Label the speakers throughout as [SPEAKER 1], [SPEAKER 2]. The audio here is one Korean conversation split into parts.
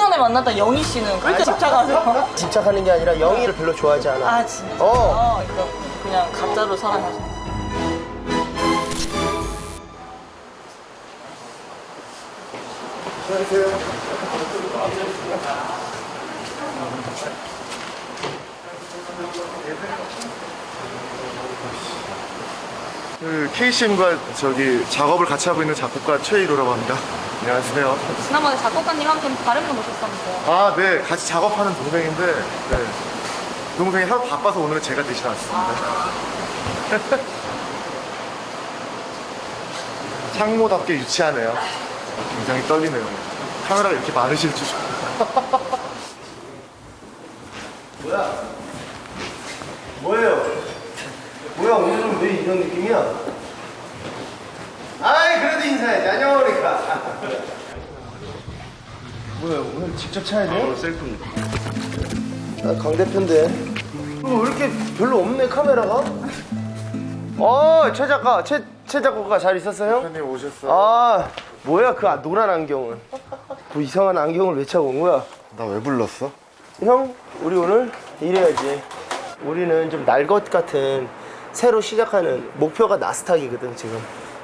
[SPEAKER 1] 전에 만났던 영희 씨는 왜 이렇게 집착하세요?
[SPEAKER 2] 집착하는 게 아니라 영희를 별로 좋아하지 않아.
[SPEAKER 1] 아 진짜? 이거 그냥 가짜로 사랑하시는.
[SPEAKER 2] 안녕하세요.
[SPEAKER 3] 그 KCM과 저기 작업을 같이 하고 있는 작곡가 최일호라고 합니다. 안녕하세요.
[SPEAKER 1] 지난번에 작곡가님 함께 다른 분 오셨다면서요?
[SPEAKER 3] 아, 네. 같이 작업하는 동생인데, 네. 동생이 하루 바빠서 오늘은 제가 대신 왔습니다. 창모답게 유치하네요. 굉장히 떨리네요. 카메라가 이렇게 많으실 줄.
[SPEAKER 2] 뭐야? 뭐예요? 뭐야, 오늘은 왜 이런 느낌이야? 아이, 그래도 인사해야지. 안녕하니까. 뭐야, 오늘 직접 차야 돼요?
[SPEAKER 3] 셀프입니다.
[SPEAKER 2] 아, 강 대표인데. 왜 이렇게 별로 없네, 카메라가? 최 작가, 최 작가가 잘 있었어요?
[SPEAKER 3] 대표님 오셨어요?
[SPEAKER 2] 아, 뭐야, 그 노란 안경은. 뭐 이상한 안경을 왜 차고 온 거야?
[SPEAKER 3] 나 왜 불렀어?
[SPEAKER 2] 형, 우리 오늘 이래야지. 우리는 좀 날 것 같은 새로 시작하는 목표가 나스닥이거든, 지금.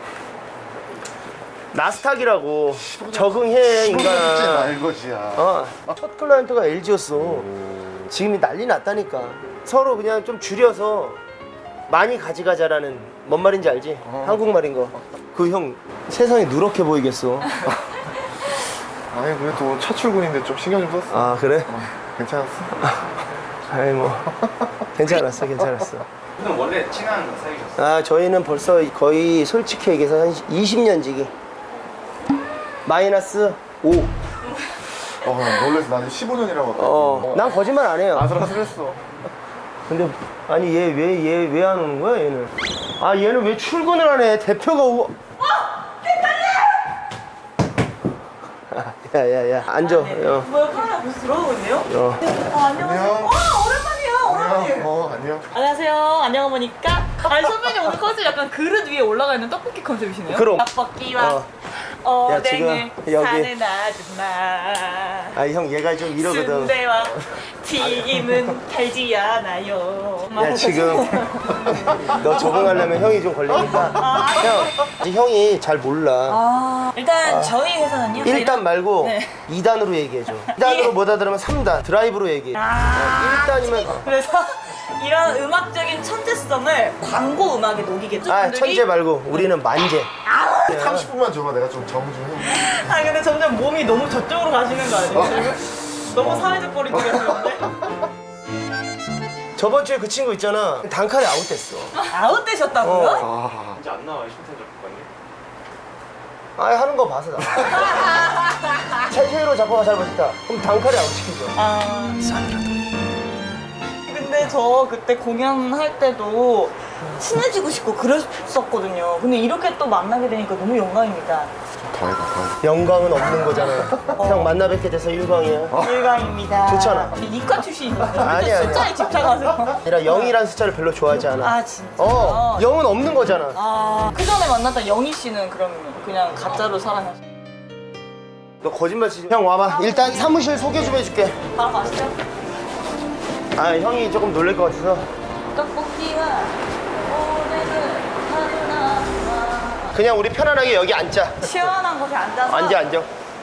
[SPEAKER 2] 나스닥이라고. 적응해, 인간아.
[SPEAKER 3] 날것이야.
[SPEAKER 2] 첫 클라이언트가 LG였어. 지금이 난리 났다니까. 서로 그냥 좀 줄여서 많이 가져가자라는 뭔 말인지 알지? 한국말인 거. 그 형 세상이 누렇게 보이겠어.
[SPEAKER 3] 아니, 그래도 첫 출근인데 좀 신경 좀 썼어.
[SPEAKER 2] 아, 그래?
[SPEAKER 3] 괜찮았어?
[SPEAKER 2] 아이 뭐 괜찮았어.
[SPEAKER 4] 그럼 원래 친한 사이셨어요?
[SPEAKER 2] 아, 저희는 벌써 거의 솔직히 얘기해서 한 20년 지기. 마이너스 5.
[SPEAKER 3] 놀래서 나는 15년이라고.
[SPEAKER 2] 난 거짓말 안 해요.
[SPEAKER 3] 아슬아슬했어.
[SPEAKER 2] 근데 아니 얘 왜 안 오는 거야, 얘는? 아, 얘는 왜 출근을 안 해? 대표가 오고. 야야야, 앉아.
[SPEAKER 1] 뭐야, 카메라 벌써 들어오고 있네요? 안녕하세요. 오랜만이에요.
[SPEAKER 3] 안녕.
[SPEAKER 1] 안녕하세요. 안녕 보니까. 아니 선배님 오늘 컨셉 약간 그릇 위에 올라가 있는 떡볶이 컨셉이시네요?
[SPEAKER 2] 그럼.
[SPEAKER 1] 떡볶이와
[SPEAKER 2] 야, 지금
[SPEAKER 1] 오뎅을
[SPEAKER 2] 여기.
[SPEAKER 1] 사는 아줌마.
[SPEAKER 2] 아, 형 얘가 좀 이러거든.
[SPEAKER 1] 순대와 튀김은 달지 않아요.
[SPEAKER 2] 야, 지금 너 적응하려면 형이 좀 걸리니까. 형, 형이 잘 몰라.
[SPEAKER 1] 일단 저희 회사는요.
[SPEAKER 2] 1단 말고
[SPEAKER 1] 네.
[SPEAKER 2] 2단으로 얘기해줘. 2단으로 못 알아들으면 3단 드라이브로 얘기해. 1단이면
[SPEAKER 1] 그래서 이런 음악적인 천재성을 광고 음악에 녹이겠죠.
[SPEAKER 2] 천재 말고 우리는 만재.
[SPEAKER 3] 30분만 줘봐. 내가 좀 정리 좀 해.
[SPEAKER 1] 아 근데 점점 몸이 너무 저쪽으로 가시는 거 아니에요? 지금? 너무 사회적 거리 두겠는데?
[SPEAKER 2] 저번 주에 그 친구 있잖아, 단칼에 아웃됐어.
[SPEAKER 1] 아웃되셨다고요?
[SPEAKER 4] 이제 안 나와요, 신태적 국가님?
[SPEAKER 2] 아, 하는 거 봐서 나. 최혜로 작곡가 잘 못했다. 그럼 단칼에 아웃시키죠.
[SPEAKER 1] 근데 저 그때 공연할 때도 친해지고 싶고 그랬었거든요. 근데 이렇게 또 만나게 되니까 너무 영광입니다.
[SPEAKER 3] 더 해봐.
[SPEAKER 2] 영광은 없는 거잖아요. 형 만나 뵙게 돼서 영광이야.
[SPEAKER 1] 일광입니다.
[SPEAKER 2] 좋잖아.
[SPEAKER 1] 이과 출신이거든요.
[SPEAKER 2] 아니야.
[SPEAKER 1] 숫자에 집착하세요.
[SPEAKER 2] 아니라 0이란 숫자를 별로 좋아하지 않아.
[SPEAKER 1] 아 진짜?
[SPEAKER 2] 0은 없는 거잖아.
[SPEAKER 1] 그 전에 만났던 영희 씨는 그럼 그냥 가짜로 사랑하시죠?
[SPEAKER 2] 너 거짓말 치지. 형 와봐. 일단 사무실 소개 좀 해줄게.
[SPEAKER 1] 바로 가시죠.
[SPEAKER 2] 아, 형이 조금 놀랄 것 같아서.
[SPEAKER 1] 떡볶이와 오뎅을 하나
[SPEAKER 2] 그냥 우리 편안하게 여기 앉자.
[SPEAKER 1] 시원한 곳에 앉아서
[SPEAKER 2] 앉아.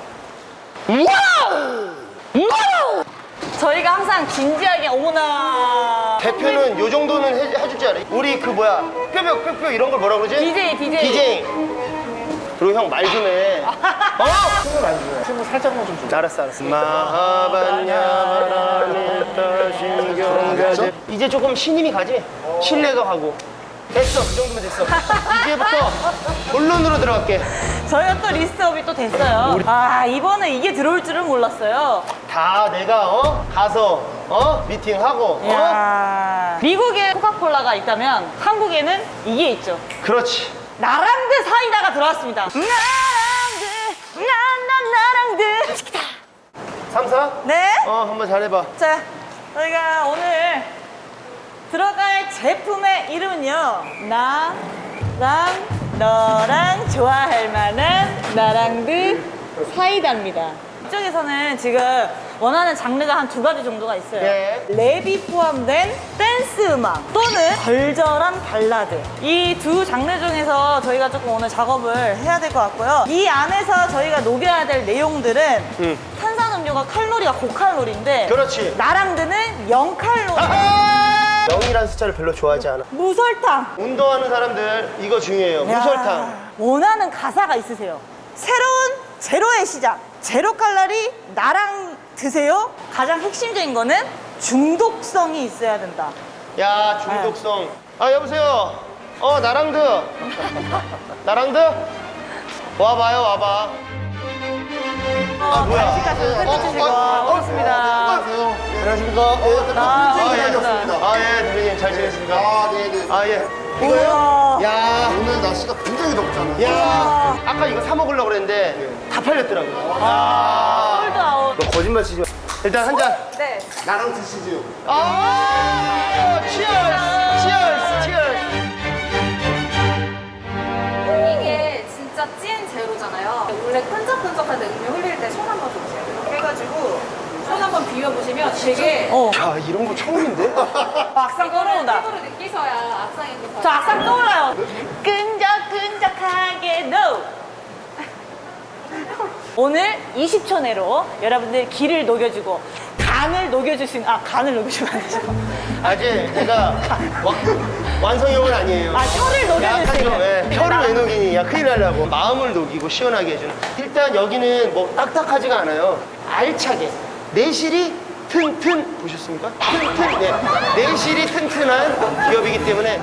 [SPEAKER 2] 우와!
[SPEAKER 1] 저희가 항상 진지하게 어머나
[SPEAKER 2] 대표는 요 정도는 해줄 줄 알아. 우리 그 뭐야, 뼈 이런 걸 뭐라 그러지? DJ. 그리고 형 말 좀 해.
[SPEAKER 3] 춤을 안 줘. 춤을 살짝만 좀 줘.
[SPEAKER 2] 알았어. 마하반야바라밀타신경가제. 이제 조금 신임이 가지? 신뢰가 가고. 됐어, 그 정도면 됐어. 이제부터 본론으로 들어갈게.
[SPEAKER 1] 저희가 또 리스트업이 또 됐어요. 이번에 이게 들어올 줄은 몰랐어요.
[SPEAKER 2] 다 내가 가서 미팅하고
[SPEAKER 1] 미국에 코카콜라가 있다면 한국에는 이게 있죠.
[SPEAKER 2] 그렇지.
[SPEAKER 1] 나랑드 사이다가 들어왔습니다. 나랑드 나랑드
[SPEAKER 2] 3, 4?
[SPEAKER 1] 네.
[SPEAKER 2] 한번 잘해봐.
[SPEAKER 1] 자, 저희가 오늘 들어갈 제품의 이름은요, 나랑 너랑 좋아할 만한 나랑드 사이다입니다. 이쪽에서는 지금 원하는 장르가 한 2가지 정도가 있어요.
[SPEAKER 2] 네.
[SPEAKER 1] 랩이 포함된 댄스 음악 또는 절절한 발라드. 이 두 장르 중에서 저희가 조금 오늘 작업을 해야 될 것 같고요. 이 안에서 저희가 녹여야 될 내용들은 탄산음료가 칼로리가 고칼로리인데
[SPEAKER 2] 그렇지.
[SPEAKER 1] 나랑드는 0칼로리.
[SPEAKER 2] 아하! 0이라는 숫자를 별로 좋아하지 않아.
[SPEAKER 1] 무설탕.
[SPEAKER 2] 운동하는 사람들 이거 중요해요.
[SPEAKER 1] 야,
[SPEAKER 2] 무설탕.
[SPEAKER 1] 원하는 가사가 있으세요. 새로운 제로의 시작. 제로 칼로리 나랑 드세요. 가장 핵심적인 거는 중독성이 있어야 된다.
[SPEAKER 2] 야, 중독성. 아, 여보세요. 나랑드. 나랑드? 와봐요, 와봐. 뭐야.
[SPEAKER 1] 간식까지 해주시고 고맙습니다.
[SPEAKER 2] 안녕하십니까? 예, 대표님 잘 지냈습니까?
[SPEAKER 3] 아, 네네.
[SPEAKER 2] 아, 예.
[SPEAKER 1] 우와.
[SPEAKER 2] 이거요? 야,
[SPEAKER 3] 오늘 날씨가 굉장히 덥잖아요.
[SPEAKER 2] 야. 아까 이거 사 먹으려고 그랬는데 다 팔렸더라고요.
[SPEAKER 1] 홀드 아웃.
[SPEAKER 2] 너 거짓말 치지 마. 일단 한 잔.
[SPEAKER 1] 네.
[SPEAKER 3] 나랑 드시죠.
[SPEAKER 2] 치얼스! 치얼스! 치얼스!
[SPEAKER 5] 이게 진짜 찐 제로잖아요. 원래 끈적끈적할 때 음료 흘릴 때 손 한번 줘보세요. 이렇게 해가지고 손 한번 비벼보시면 되게
[SPEAKER 2] 야, 이런 거 처음인데?
[SPEAKER 1] 악상 떠오른다.
[SPEAKER 5] 피부로 느끼셔야 악상이 또
[SPEAKER 1] 저 악상 떠올라요. 끈적끈적하게 no. 오늘 20초 내로 여러분들 기를 녹여주고 간을 녹여주신 간을 녹여주면 안 되죠.
[SPEAKER 2] 아직 내가 완성형은 아니에요.
[SPEAKER 1] 혀를
[SPEAKER 2] 약간 좀,
[SPEAKER 1] 녹여주시는.
[SPEAKER 2] 혀를 왜 녹이니? 야, 큰일 나려고. 마음을 녹이고 시원하게 해주는. 일단 여기는 뭐 딱딱하지가 않아요. 알차게. 내실이 튼튼. 보셨습니까? 튼튼. 네. 내실이 튼튼한 기업이기 때문에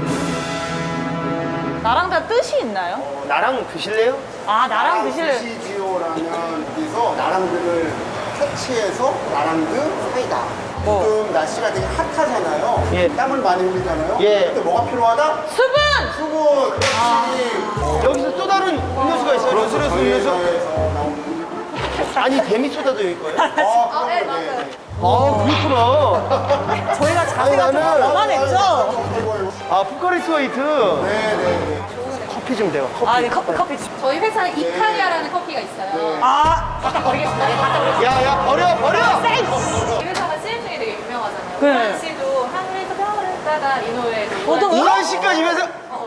[SPEAKER 1] 나랑 다 뜻이 있나요?
[SPEAKER 2] 나랑 드실래요?
[SPEAKER 1] 나랑 드실래요?
[SPEAKER 3] 드시지요라는 여기서 나랑들을 캐치해서 나랑드 사이다.
[SPEAKER 1] 뭐?
[SPEAKER 3] 지금 날씨가 되게 핫하잖아요.
[SPEAKER 2] 예.
[SPEAKER 3] 땀을 많이 흘리잖아요.
[SPEAKER 2] 예.
[SPEAKER 3] 근데 뭐가 필요하다?
[SPEAKER 1] 수분!
[SPEAKER 3] 수분. 그렇지.
[SPEAKER 2] 여기서 또 다른 음료수가 있어요. 로스레스 음료수.
[SPEAKER 3] 저에서 나온
[SPEAKER 2] 아니, 데미소다도 여기 거예요?
[SPEAKER 5] 네, 맞아요.
[SPEAKER 2] 그렇구나.
[SPEAKER 1] 저희가 자세가 좀
[SPEAKER 2] 나는-
[SPEAKER 1] 거만했죠?
[SPEAKER 2] 포카리 스웨이트.
[SPEAKER 3] 네네네.
[SPEAKER 2] 커피 좀 대요. 커피.
[SPEAKER 1] 네, 커피.
[SPEAKER 5] 저희 회사에 이탈리아라는 커피가 있어요.
[SPEAKER 1] 갖다 버리겠습니다. 네, 갖다 버리겠습니다.
[SPEAKER 2] 야, 버려!
[SPEAKER 5] 이 회사가 CM중에 되게 유명하잖아요.
[SPEAKER 1] 네.
[SPEAKER 5] 우란 씨도 하늘에서 별을 따다 이 노래도
[SPEAKER 1] 어떤
[SPEAKER 2] 이런 씨까지 면서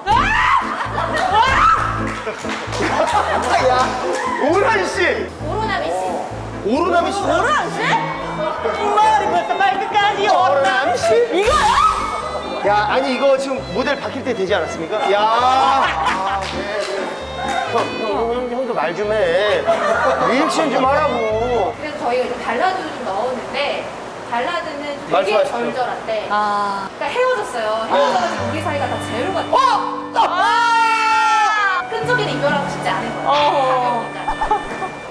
[SPEAKER 2] 야, 오란 씨!
[SPEAKER 5] 오로나미 씨.
[SPEAKER 2] 오로나미 씨?
[SPEAKER 1] 오란 씨? 머리부터 발끝까지
[SPEAKER 2] 오로나미 씨?
[SPEAKER 1] 이거요?
[SPEAKER 2] 야, 아니 이거 지금 모델 바뀔 때 되지 않았습니까? 야, 형도 말 좀 해. 리액션 좀 하라고.
[SPEAKER 5] 그래서 저희가 이제 발라드도 좀 넣었는데 발라드는 좀 되게
[SPEAKER 2] 말씀하십시오.
[SPEAKER 5] 절절한데
[SPEAKER 1] 아.
[SPEAKER 5] 그러니까 헤어졌어요. 헤어져가지고 우리 사이가 다 제로가 돼요. 끈적이는 이별하고 싶지 않은 거예요. 가벼우니까.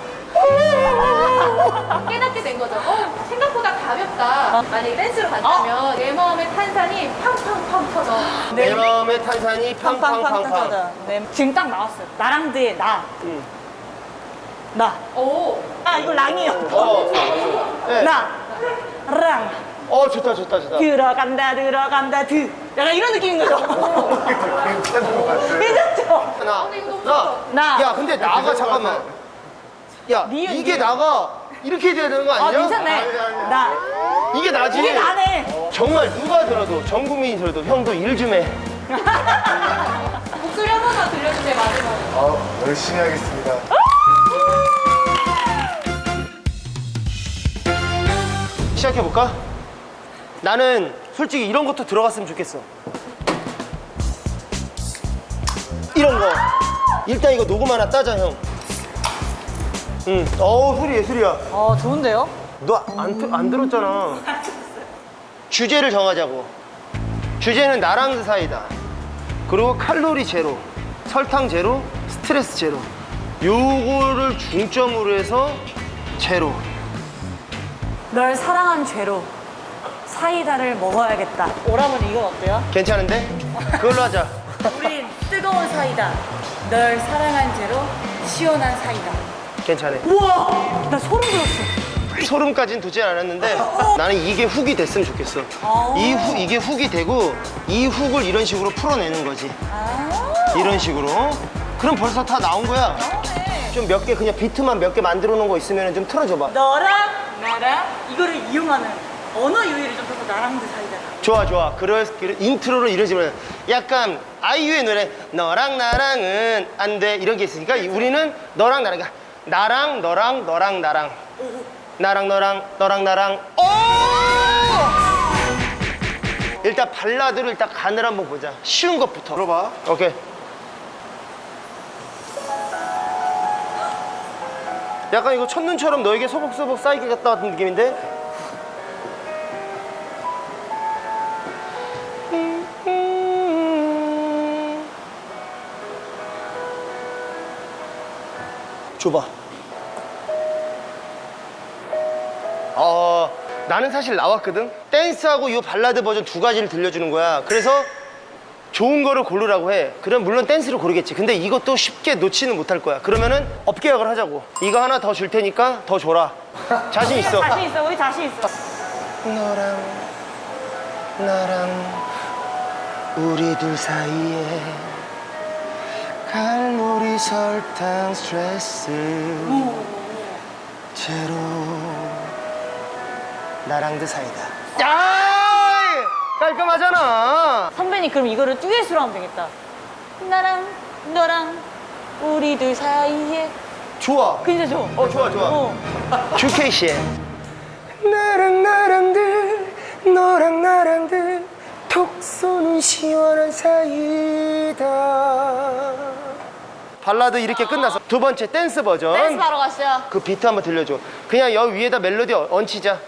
[SPEAKER 5] 깨닫게 된 거죠. 생각보다 가볍다. 만약에 댄스로 간다면 내 마음의 탄산이 팡팡팡 터져.
[SPEAKER 2] 내 마음의 탄산이
[SPEAKER 1] 팡팡팡
[SPEAKER 2] 팡팡팡팡.
[SPEAKER 1] 터져. 네. 지금 딱 나왔어요. 나랑드의 나.
[SPEAKER 2] 응.
[SPEAKER 1] 나.
[SPEAKER 5] 오.
[SPEAKER 1] 이거 랑이요.
[SPEAKER 2] 네.
[SPEAKER 1] 나. 랑.
[SPEAKER 2] 좋다, 좋다, 좋다.
[SPEAKER 1] 들어간다, 약간 이런 느낌인 거죠.
[SPEAKER 3] 괜찮은 것 같아요.
[SPEAKER 1] 괜찮죠?
[SPEAKER 2] 하나,
[SPEAKER 5] 근데 이거 너무
[SPEAKER 2] 나.
[SPEAKER 5] 좋아.
[SPEAKER 1] 나.
[SPEAKER 2] 야, 근데 나가 잠깐만. 야,
[SPEAKER 1] 니은,
[SPEAKER 2] 이게
[SPEAKER 1] 니은.
[SPEAKER 2] 나가 이렇게 돼야 되는 거 아니야?
[SPEAKER 1] 괜찮네. 나.
[SPEAKER 2] 이게 나지.
[SPEAKER 1] 이게 나네.
[SPEAKER 2] 정말 누가 들어도 전 국민이 들어도 형도 일 좀 해.
[SPEAKER 5] 목소리 한 번만 들려주세요, 마지막으로.
[SPEAKER 3] 열심히 하겠습니다.
[SPEAKER 2] 시작해 볼까? 나는 솔직히 이런 것도 들어갔으면 좋겠어. 이런 거. 일단 이거 녹음 하나 따자, 형. 응. 소리 예술이야.
[SPEAKER 1] 좋은데요?
[SPEAKER 2] 너 안 들었잖아. 주제를 정하자고. 주제는 나랑 사이다. 그리고 칼로리 제로, 설탕 제로, 스트레스 제로. 요거를 중점으로 해서 제로.
[SPEAKER 1] 널 사랑한 죄로 사이다를 먹어야겠다. 오라버니 이건 어때요?
[SPEAKER 2] 괜찮은데? 그걸로 하자.
[SPEAKER 1] 우리 뜨거운 사이다. 널 사랑한 죄로 시원한 사이다.
[SPEAKER 2] 괜찮아.
[SPEAKER 1] 우와! 나 소름 돋았어.
[SPEAKER 2] 소름까지는 돋지 않았는데 나는 이게 훅이 됐으면 좋겠어. 이게 훅이 되고 이 훅을 이런 식으로 풀어내는 거지. 이런 식으로. 그럼 벌써 다 나온 거야. 좀 몇 개 그냥 비트만 몇 개 만들어 놓은 거 있으면 좀 틀어줘봐.
[SPEAKER 1] 너랑 나랑 이거를 이용하는 언어 유희를 좀 써서 나랑 드 사이다.
[SPEAKER 2] 좋아 좋아. 인트로를 이러지 마. 약간 아이유의 노래 너랑 나랑은 안 돼 이런 게 있으니까 우리는 너랑 나랑 그러니까 나랑 너랑 너랑 나랑 나랑 너랑 나랑 오! 일단 발라드를 일단 간을 한번 보자. 쉬운 것부터.
[SPEAKER 3] 들어봐.
[SPEAKER 2] 오케이. 약간 이거 첫눈처럼 너에게 소복소복 쌓이게 갔다 같은 느낌인데? 줘봐. 나는 사실 나왔거든? 댄스하고 이 발라드 버전 두 가지를 들려주는 거야. 그래서 좋은 거를 고르라고 해. 그럼 물론 댄스를 고르겠지. 근데 이것도 쉽게 놓지는 못할 거야. 그러면은 업계약을 하자고. 이거 하나 더 줄 테니까 더 줘라. 자신 있어.
[SPEAKER 1] 자신 있어. 우리 자신 있어.
[SPEAKER 2] 너랑 나랑 우리 둘 사이에 칼로리 설탕 스트레스 제로 나랑 드 사이다. 야! 깔끔하잖아.
[SPEAKER 1] 선배님 그럼 이거를 듀엣으로 하면 되겠다. 나랑 너랑 우리 둘 사이에.
[SPEAKER 2] 좋아.
[SPEAKER 1] 진짜 좋아.
[SPEAKER 2] 좋아 좋아.
[SPEAKER 1] 어.
[SPEAKER 2] 주케이 씨의 나랑 나랑들 너랑 나랑들 톡 쏘는 시원한 사이다. 발라드 이렇게 끝났어. 두 번째 댄스 버전.
[SPEAKER 1] 댄스 바로 가시죠.
[SPEAKER 2] 그 비트 한번 들려줘. 그냥 여기 위에다 멜로디 얹히자.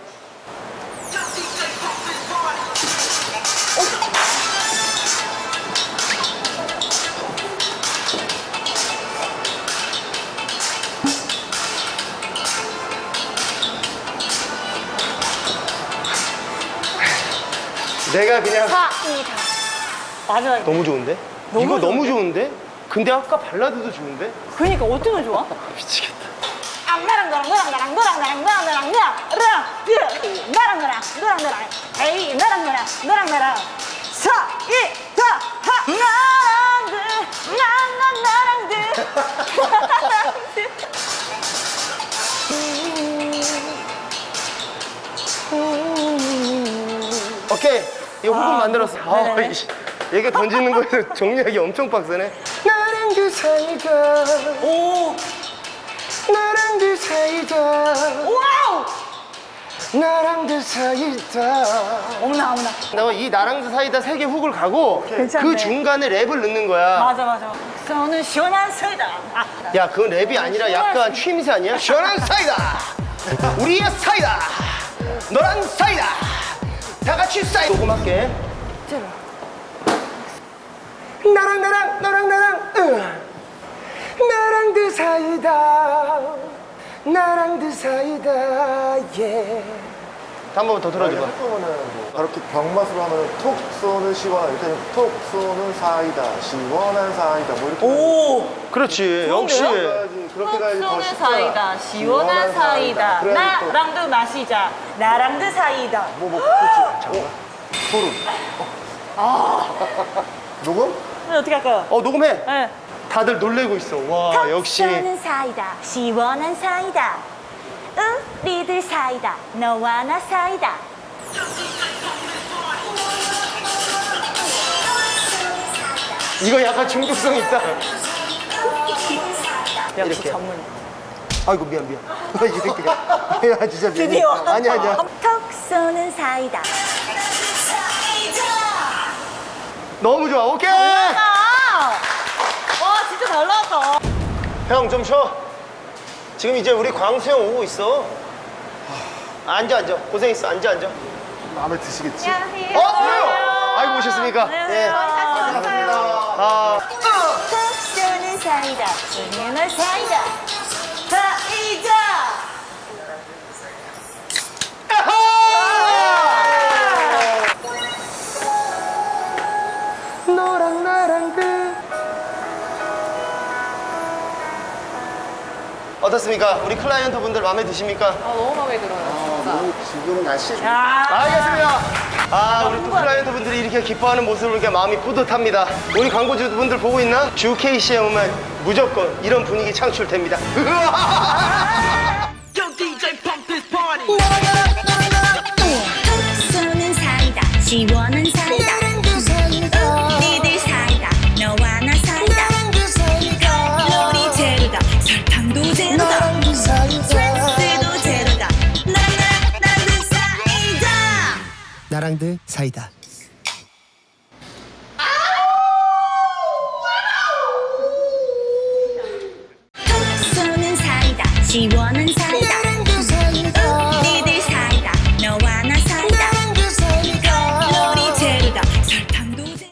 [SPEAKER 2] 내가 그냥
[SPEAKER 1] 사이다. 마지막에.
[SPEAKER 2] 너무 좋은데?
[SPEAKER 1] 너무
[SPEAKER 2] 이거 너무
[SPEAKER 1] 좋은데?
[SPEAKER 2] 좋은데? 근데 아까 발라드도 좋은데?
[SPEAKER 1] 그러니까 어떻게 좋아?
[SPEAKER 2] 미치겠다.
[SPEAKER 1] 나랑 너랑 너랑 나랑 너랑 나랑 너랑 나랑 나랑 나랑 에이 나랑 나랑 사이다 하
[SPEAKER 2] 오케이. 이거 호흡 만들었어.
[SPEAKER 1] 네네네.
[SPEAKER 2] 얘가 던지는 거에서 정리하기 엄청 빡세네. 나랑 그 사이다.
[SPEAKER 1] 오
[SPEAKER 2] 나랑 그 사이다.
[SPEAKER 1] 와우
[SPEAKER 2] 나랑 그 사이다.
[SPEAKER 1] 어머나
[SPEAKER 2] 너 이 나랑 그 사이다 세 개 훅을 가고
[SPEAKER 1] 괜찮네.
[SPEAKER 2] 그 중간에 랩을 넣는 거야.
[SPEAKER 1] 맞아 저는 시원한 사이다
[SPEAKER 2] 야, 그건 랩이 아니라 약간 취임새 아니야? 시원한 사이다. 우리의 사이다. 너랑 사이다. 다 같이 사이다. 녹음할게. 나랑 너랑 나랑 그 사이다. 나랑 그 사이다. 예. 한 번만 더 들어줘봐.
[SPEAKER 3] 한꺼번에 그렇게 병맛으로 하면 톡 쏘는 시원한 이렇게 하면 톡 쏘는 사이다 시원한 사이다 뭐 이렇게
[SPEAKER 1] 오
[SPEAKER 2] 그렇지. 역시.
[SPEAKER 3] 가야지. 그렇게 가야지 더
[SPEAKER 1] 소는
[SPEAKER 3] 쉽잖아.
[SPEAKER 1] 사이다 시원한 사이다
[SPEAKER 3] 그래야지 또
[SPEAKER 1] 나랑도 마시자 나랑도 사이다
[SPEAKER 3] 그렇지. 소름. 녹음?
[SPEAKER 1] 근데 어떻게 할까요?
[SPEAKER 2] 녹음해.
[SPEAKER 1] 네.
[SPEAKER 2] 다들 놀래고 있어. 와, 역시.
[SPEAKER 6] 쏘는 사이다 시원한 사이다 우리들 사이다 너와 나 사이다
[SPEAKER 2] 이거 약간 중독성 있다.
[SPEAKER 1] 역시
[SPEAKER 2] 이렇게.
[SPEAKER 1] 전문
[SPEAKER 2] 아이고, 미안. 이 새끼가. 야, 진짜 미안.
[SPEAKER 1] 드디어.
[SPEAKER 2] 아니야.
[SPEAKER 6] 톡 쏘는 사이다
[SPEAKER 2] 너무 좋아. 오케이.
[SPEAKER 1] 와 진짜 잘 나왔다
[SPEAKER 2] 형, 좀 쉬어. 지금 이제 우리 광수 형 오고 있어. 앉아. 고생했어. 앉아.
[SPEAKER 3] 마음에 드시겠지?
[SPEAKER 5] 안녕하세요.
[SPEAKER 2] 그래요? 아이고, 오셨습니까?
[SPEAKER 1] 안녕하세요.
[SPEAKER 6] 톡 쏘는 사이다 시원한 사이다
[SPEAKER 1] 사이다
[SPEAKER 2] 너랑 나랑 어떻습니까? 우리 클라이언트 분들 마음에 드십니까?
[SPEAKER 5] 너무 마음에 들어요.
[SPEAKER 3] 지금 날씨
[SPEAKER 2] 알겠습니다. 우리 또 클라이언트 분들이 이렇게 기뻐하는 모습을 보니까 마음이 뿌듯합니다. 우리 광고주 분들 보고 있나? 주 KC에 오면 무조건 이런 분위기 창출됩니다.
[SPEAKER 6] 쏘는 사이다 시원한 사이다 우리들 사이다 너와 나 사이다 칼로리 제로다 설탕도 제로다 스트레스도 제로다 나랑들 사이다
[SPEAKER 2] 나랑들 사이다.
[SPEAKER 6] 쏘는 사이다 시원한